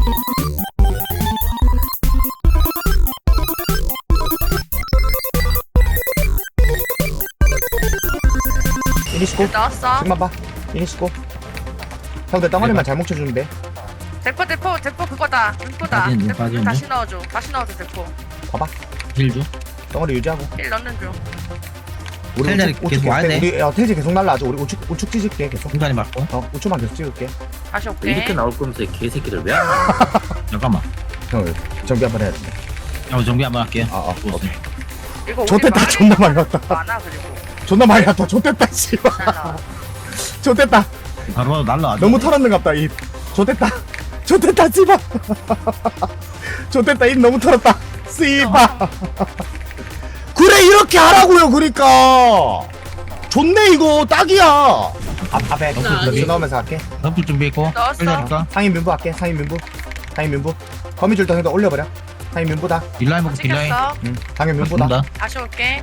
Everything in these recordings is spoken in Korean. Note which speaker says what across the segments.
Speaker 1: 이니시고
Speaker 2: 나왔어.
Speaker 1: 지금만 봐. 이니시고 형들 덩어리만 잘 뭉쳐주면 돼.
Speaker 2: 대포 그거다. 대포다.
Speaker 3: 빠지는 중,
Speaker 2: 대포
Speaker 3: 빠지는
Speaker 2: 다시 넣어줘. 다시 넣어줘 대포.
Speaker 1: 봐봐.
Speaker 3: 힐 줘.
Speaker 1: 덩어리 유지하고.
Speaker 2: 1 넣는 중.
Speaker 1: 우리
Speaker 3: 텔자리
Speaker 1: 우측
Speaker 3: 계속 와야 돼.
Speaker 1: 우리 텔지 계속 날라줘. 우리 우측 찍을게 계속.
Speaker 3: 중간에 맞고.
Speaker 1: 우측만 계속 찍을게.
Speaker 2: 다시 올게.
Speaker 4: 이렇게 나올 거면서 이 개새끼들 왜 안 나와?
Speaker 3: 잠깐만.
Speaker 1: 형 정비 한번 해야 돼.
Speaker 3: 정비 한번 할게요.
Speaker 1: 오케이.
Speaker 2: 이거 우리
Speaker 1: 좋댔다.
Speaker 2: 말이
Speaker 1: 존나 많이 왔다.
Speaker 2: 많아 그리고.
Speaker 1: 존나 많이 왔다. 좋댔다 씨발.
Speaker 2: 잘 나와.
Speaker 1: 좋댔다.
Speaker 3: 바로 날라와.
Speaker 1: 너무 털었는갑다 입. 좋댔다. 좋댔다 씨발. 좋댔다 입 너무 털었다. 씨발. 그래 이렇게 하라고요. 그러니까. 좋네 이거 딱이야. 앞에 럭스 넣으면서 할게.
Speaker 3: 덤플 준비했고.
Speaker 2: 넣었어.
Speaker 3: 텔자리까.
Speaker 1: 상인 민부 할게. 상인 민부. 거미줄 덩이도 올려버려. 상인 민부다.
Speaker 3: 딜라인 먹고 딜라인.
Speaker 2: 찍혔어.
Speaker 1: 상인 민부다.
Speaker 3: 맞습니다.
Speaker 2: 다시 올게.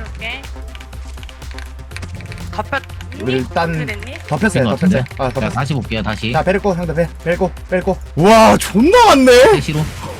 Speaker 2: 덮였.
Speaker 1: 우리 일단
Speaker 2: 됐니?
Speaker 1: 덮였어요.
Speaker 3: 것 같은데?
Speaker 1: 덮였어요.
Speaker 3: 자,
Speaker 1: 덮였어.
Speaker 3: 다시 볼게요. 다시.
Speaker 1: 자 베르고 형들 베르고. 와 존나 많네.
Speaker 3: 대시로.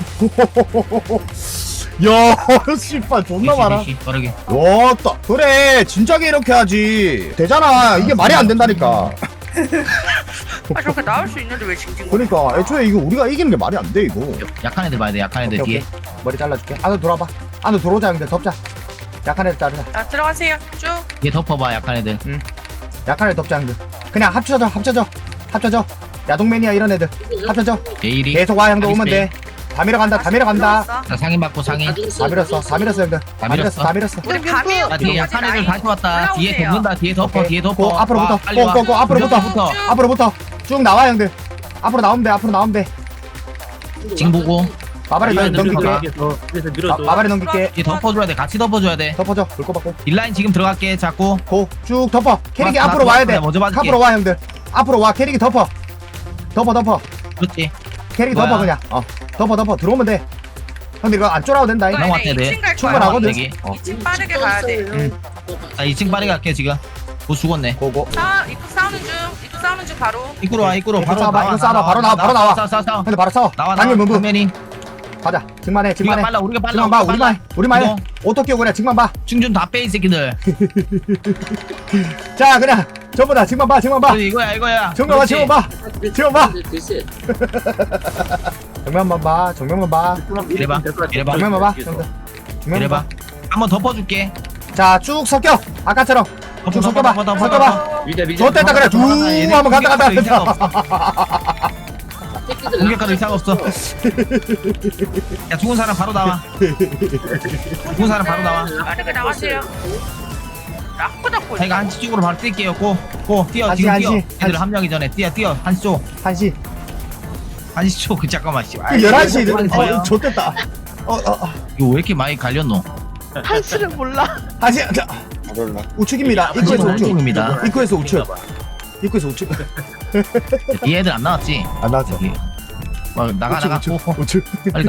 Speaker 1: 야 씨발 존나 많아.
Speaker 3: 대시 빠르게.
Speaker 1: 왔다. 그래 진작에 이렇게 하지. 되잖아. 이게 말이 안 된다니까.
Speaker 2: 아 저렇게 나올 수 있는데 왜 징징?
Speaker 1: 그러니까 애초에 이거 우리가 이기는 게 말이 안 돼 이거.
Speaker 3: 약한 애들 봐야 돼. 약한 애들
Speaker 1: 오케이,
Speaker 3: 뒤에.
Speaker 1: 오케이. 머리 잘라줄게. 안으로 돌아봐. 안으로 들어오자 형들 덮자. 약한 애들 자르자.
Speaker 2: 자 들어가세요. 쭉.
Speaker 3: 뒤에 덮어봐. 약한 애들.
Speaker 1: 약한 애들 덮자 형들. 그냥 합쳐져. 야동매니아 이런 애들 합쳐져.
Speaker 3: 제일이.
Speaker 1: 계속 와 형들 오면 돼. 다 밀어간다.
Speaker 2: 들어왔어.
Speaker 3: 자, 상인 받고 상인.
Speaker 1: 다 밀었어 형들. 다 밀었어.
Speaker 2: 우리 밤이
Speaker 3: 자, 뒤에 약한 애들 다시 왔다. 뒤에 덮는다. 뒤에 덮어.
Speaker 1: 오케이.
Speaker 3: 뒤에 덮어.
Speaker 1: 고 앞으로부터.
Speaker 3: 와, 빨리 와.
Speaker 1: 고 앞으로부터.
Speaker 3: 붙어.
Speaker 1: 앞으로부터 쭉 나와 형들. 앞으로 나오면 돼.
Speaker 3: 지금 보고.
Speaker 1: 마발에
Speaker 3: 이거
Speaker 1: 넘길게.
Speaker 4: 그래서 밀어줘.
Speaker 1: 마발에 넘길게.
Speaker 3: 뒤에 덮어줘야 돼. 같이 덮어줘야 돼.
Speaker 1: 덮어줘. 불 꼽았고.
Speaker 3: 딜라인 지금 들어갈게. 잡고.
Speaker 1: 고 쭉 덮어. 캐릭이
Speaker 3: 맞다,
Speaker 1: 앞으로
Speaker 3: 맞다,
Speaker 1: 와야 돼.
Speaker 3: 먼저 맞을게.
Speaker 1: 앞으로 와 형들. 앞으로 와. 캐릭이 덮어.
Speaker 3: 그렇지.
Speaker 1: 캐릭이
Speaker 3: 뭐야?
Speaker 1: 덮어 그냥. 덮어. 들어오면 돼. 형들 이거 안 쫄아도 된다.
Speaker 3: 너무 왔대, 네.
Speaker 2: 2층 갈
Speaker 1: 충분하거든.
Speaker 2: 거야.
Speaker 3: 어.
Speaker 2: 2층 빠르게 가야 돼.
Speaker 3: 자, 2층 빠르게 갈게 지금. 뭐 죽었네.
Speaker 1: 고고.
Speaker 2: 입구 싸우는 중 바로.
Speaker 3: 입구로 와. 입구로
Speaker 1: 이거
Speaker 3: 바로
Speaker 1: 싸워봐,
Speaker 3: 나와.
Speaker 1: 이거 싸워봐. 바로 나와.
Speaker 3: 싸워.
Speaker 1: 형들 바로 싸워.
Speaker 3: 나와.
Speaker 1: 당연 문부.
Speaker 3: 정면이.
Speaker 1: 가자. 증만해.
Speaker 3: 우리가 빨라.
Speaker 1: 증만 봐. 우리만 해.
Speaker 3: 이거.
Speaker 1: 오토 끼고 그래. 증만 봐.
Speaker 3: 충전 다 빼 이 새끼들.
Speaker 1: 자 그냥 전부 다 증만 봐.
Speaker 3: 그래, 이거야.
Speaker 1: 증만 봐.
Speaker 3: 그렇지.
Speaker 1: 증만 봐.
Speaker 4: 글쎄.
Speaker 1: 정면만 봐. 정면만 봐.
Speaker 3: 이래봐.
Speaker 1: 정면만 봐. 형들. 정면만
Speaker 3: 이래봐.
Speaker 1: 봐.
Speaker 3: 한번 덮어줄게.
Speaker 1: 자 쭉 섞여. 아까처럼. 쭉 섞여봐. 섞여봐.
Speaker 4: 미자.
Speaker 1: 좋댔다 그래. 쭉 한번 간다.
Speaker 3: 공격가도 이상 없어. 야, 죽은 사람 바로 나와.
Speaker 2: 빠르게 나가세요. 락고 잡고.
Speaker 3: 자기가 한시 쪽으로 바로 뛸게요. 고 뛰어.
Speaker 1: 한시,
Speaker 3: 지금 뛰어.
Speaker 1: 한시.
Speaker 3: 애들 합류하기 전에 뛰어. 한시 쪽.
Speaker 1: 1시.
Speaker 3: 한시 쪽. 그 잠깐만 씨.
Speaker 1: 11시. 좋댔다.
Speaker 3: 이거 왜 이렇게 많이 갈렸노?
Speaker 5: 한시를 몰라.
Speaker 1: 1시. 자, 우측입니다. 입구에서 우측.
Speaker 3: 쪽입니다.
Speaker 1: 입구에서 우측.
Speaker 3: 이 애들 안 나왔지?
Speaker 1: 안 나왔어.
Speaker 3: 여기. 나가.
Speaker 1: 우측.
Speaker 3: 빨리 가.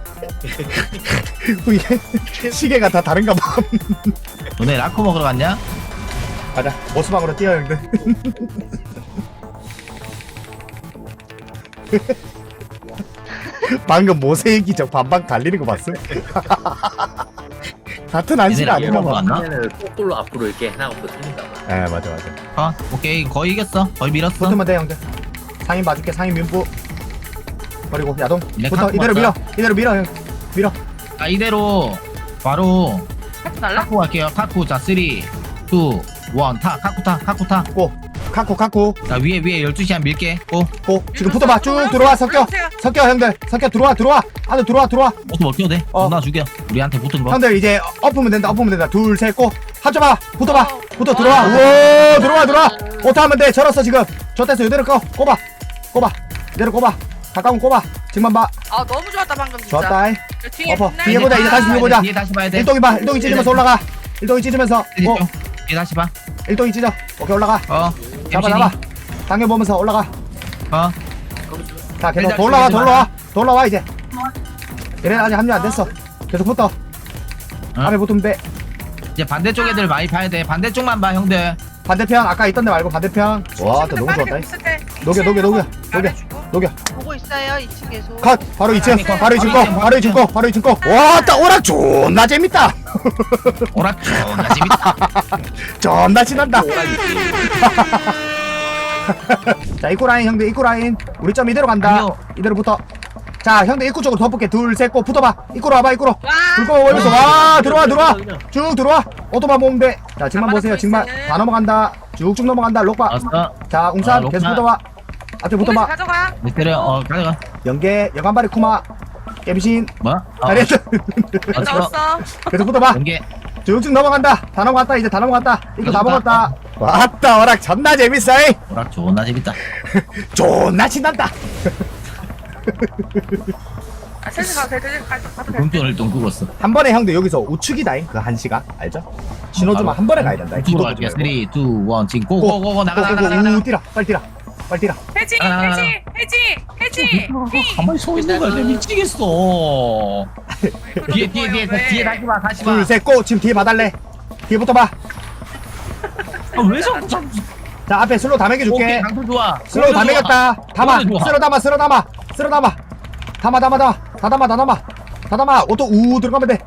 Speaker 1: 이게 시계가 다 다른가 봐.
Speaker 3: 너네 라커 먹으러 갔냐?
Speaker 1: 가자. 모스방으로 뛰어 형들. 방금 모세의 기적 반반 갈리는 거 봤어? 같은 안시가
Speaker 3: 얘네
Speaker 1: 아닌가
Speaker 3: 라커 먹으러
Speaker 1: 봐.
Speaker 3: 갔나?
Speaker 4: 하면은 거꾸로 앞으로 이렇게 해나가고 틀린다.
Speaker 1: 예 맞아.
Speaker 3: 오케이. 거의 이겼어. 거의 밀었어.
Speaker 1: 붙으면 돼 형들. 상인 봐줄게. 상인 민부. 그리고 야동.
Speaker 3: 얘네
Speaker 1: 붙어.
Speaker 3: 카쿠
Speaker 1: 이대로 밀어 형. 밀어.
Speaker 3: 자, 이대로 바로
Speaker 2: 하지 말라.
Speaker 3: 카쿠 갈게요. 카쿠. 자, 3, 2, 1 타. 카쿠 타.
Speaker 1: 고. 카쿠.
Speaker 3: 자, 위에 12시 밀게. 고.
Speaker 1: 지금 붙어봐. 쭉 들어와. 섞여 형들. 섞여 들어와. 안으로 들어와.
Speaker 3: 어떻게 먹혀도 돼?
Speaker 1: 어.
Speaker 3: 존나 죽여. 우리한테 붙은 거.
Speaker 1: 형들 이제 엎으면 된다. 둘, 셋, 고. 합쳐봐. 붙어봐. 붙어
Speaker 2: 어.
Speaker 1: 들어와. 우와 들어와. 오타하면 돼. 절었어 지금. 저 됐어. 이대로 꼽아. 이대로 꼽아. 가까운 꼽아. 지금만 봐.
Speaker 2: 아 너무 좋았다 방금 진짜.
Speaker 1: 좋았다.
Speaker 2: 뒤에
Speaker 1: 엎어.
Speaker 2: 빛나는
Speaker 1: 뒤에 보자. 이제 다시
Speaker 2: 아,
Speaker 1: 뒤에 보자.
Speaker 3: 뒤에 다시 봐야 돼.
Speaker 1: 일동이 봐. 일동이 찢으면서 올라가. 일동이 찢으면서.
Speaker 3: 뒤에 다시 봐.
Speaker 1: 일동이 찢어. 오케이 올라가. 잡아. 당겨보면서 올라가. 자 계속 돌아와 이제. 얘네 아직 합류 안 됐어. 계속 붙어. 앞에 붙으면 돼.
Speaker 3: 이제 반대쪽 애들 많이 봐야 돼. 반대쪽만 봐, 형들.
Speaker 1: 반대편 아까 있던 데 말고 반대편. 와, 또 너무 좋았다. 녹여.
Speaker 2: 보고
Speaker 5: 보고 있어요 2층 계속.
Speaker 1: 컷 바로 2층 바로 2층 거 바로 2층 거 바로 2층 거. 와따 오락 존나 재밌다.
Speaker 3: 오락 존나 재밌다.
Speaker 1: 존나 신난다. 자 입구 라인 형들 입구 라인 우리 점 이대로 간다.
Speaker 3: 아니요.
Speaker 1: 이대로 붙어. 자 형들 입구 쪽으로 덮을게. 둘 셋 고 붙어봐. 입구로 와봐 입구로.
Speaker 2: 와.
Speaker 1: 불꺼 올려서 와 들어와 쭉 들어와. 오토바 모으면 돼. 자 지금만 보세요. 지금만 다 넘어간다. 쭉쭉 넘어간다. 록바.
Speaker 3: 알았어.
Speaker 1: 자 웅산
Speaker 3: 아,
Speaker 1: 계속
Speaker 3: 록바.
Speaker 1: 붙어봐. 앞에 붙어봐.
Speaker 2: 가져가.
Speaker 3: 미스테리오 가져가.
Speaker 1: 연계 여간발이 쿠마 깨비신
Speaker 3: 뭐?
Speaker 1: 잘했어.
Speaker 2: 넣었어.
Speaker 1: 계속 붙어봐.
Speaker 3: 연계.
Speaker 1: 쭉쭉 넘어간다. 다 넘어갔다. 이제 다 넘어갔다. 이거 다
Speaker 3: 넘어갔다.
Speaker 1: 먹었다. 왔다 오락 존나 재밌어. 이.
Speaker 3: 오락 존나 재밌다.
Speaker 1: 존나 신난다.
Speaker 2: 아, 셋이 가도 돼. 가도 돼.
Speaker 3: 금전을 좀 끄었어.
Speaker 1: 한 번에 형들 여기서 우측이다잉. 그 1시간 알죠? 신호주만 한 번에 가야 된다.
Speaker 3: 이쪽으로 갈게. 3, 2, 1 지금 고고고고 나가.
Speaker 1: 뛰라. 빨리 뛰라. 빨리 뛰라.
Speaker 2: 해지.
Speaker 3: 아.
Speaker 2: 해지.
Speaker 3: 가만히 서 있는 거야. 내가 미치겠어. 뒤에 다시 봐. 다시 봐.
Speaker 1: 둘, 셋, 고! 지금 뒤에 봐달래. 뒤에 붙어봐.
Speaker 3: 아, 왜 자꾸
Speaker 1: 자, 앞에 슬로우 다
Speaker 3: 오케이,
Speaker 1: 먹여줄게.
Speaker 3: 강도 좋아.
Speaker 1: 슬로우 다 먹였다. 담아.
Speaker 3: 좋아.
Speaker 1: 쓸어 담아. 다 담아. 오토 들어가면 돼.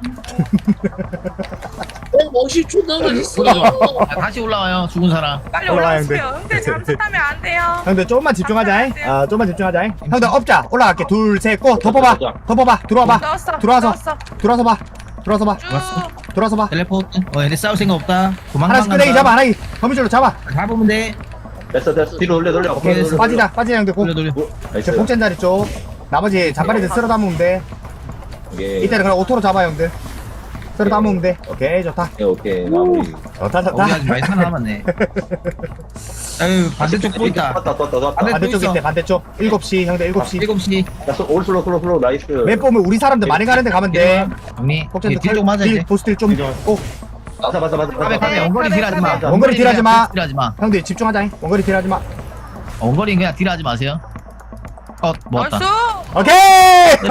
Speaker 4: 멋이 존나 맛있어.
Speaker 3: 다시 올라와요. 죽은 사람.
Speaker 2: 빨리
Speaker 1: 올라와요,
Speaker 2: 올라오세요. 형들 잠수타면 안 돼요.
Speaker 1: 형들 조금만 집중하자.
Speaker 2: 안 돼요.
Speaker 1: 좀만 집중하자. 형들 업자. 올라갈게. 둘, 셋, 고! 덮어봐. 들어와봐.
Speaker 2: 넣었어.
Speaker 1: 들어와서.
Speaker 2: 넣었어.
Speaker 1: 들어와서 봐.
Speaker 2: 쭉.
Speaker 1: 들어와서 봐.
Speaker 3: 텔레포트. 얘네 싸울 생각 없다. 도망가.
Speaker 1: 하나씩 끄레기 잡아. 하나씩. 거미줄로 잡아.
Speaker 3: 잡으면 돼.
Speaker 6: 됐어 뒤로 돌려
Speaker 1: 오케이. 빠지자 형들. 고.
Speaker 3: 돌려.
Speaker 1: 저 복젠 자리 쪽. 나머지 잔바리들 쓸어 담으면 돼. 이때는 그냥 오토로 잡아 형들. 쓸어 담으면 돼. 오케이 좋다.
Speaker 6: 오케이 마무리
Speaker 1: 좋다.
Speaker 3: 우리 많이 살아남았네. 아유 반대쪽 또 있다.
Speaker 6: 떴다
Speaker 1: 반대쪽
Speaker 3: 있어.
Speaker 1: 있대. 반대쪽. 7시 형들 7시.
Speaker 3: 7시.
Speaker 6: 올 슬로우 나이스
Speaker 1: 맵 보면 우리 사람들 많이 가는데 가면 돼.
Speaker 3: 형님.
Speaker 1: 복젠도
Speaker 3: 뒤쪽 맞아야 돼.
Speaker 1: 보스들 좀. 꼭.
Speaker 6: 맞아
Speaker 3: 가be 원거리 딜하지 마.
Speaker 1: 원거리 딜하지 마.
Speaker 3: 딜하지 마.
Speaker 1: 형들 집중하자. 원거리 딜하지 마.
Speaker 3: 원거리 그냥 딜하지 마세요. 먹었다.
Speaker 2: 나이스.
Speaker 1: 오케이.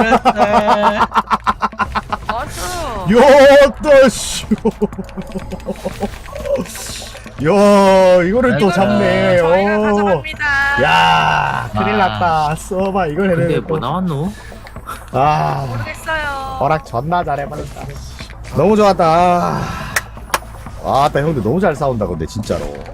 Speaker 2: 나이스.
Speaker 1: 요또 씨. 야 이거를 또 잡네.
Speaker 2: 저희가
Speaker 1: 오.
Speaker 2: 가져갑니다.
Speaker 1: 야 큰일 났다. 써봐 이걸
Speaker 4: 근데
Speaker 1: 해내.
Speaker 4: 뭐 나왔노?
Speaker 1: 아.
Speaker 2: 모르겠어요.
Speaker 1: 허락 존나 잘해버렸다. 너무 좋았다. 아, 나 형들 너무 잘 싸운다 근데 진짜로.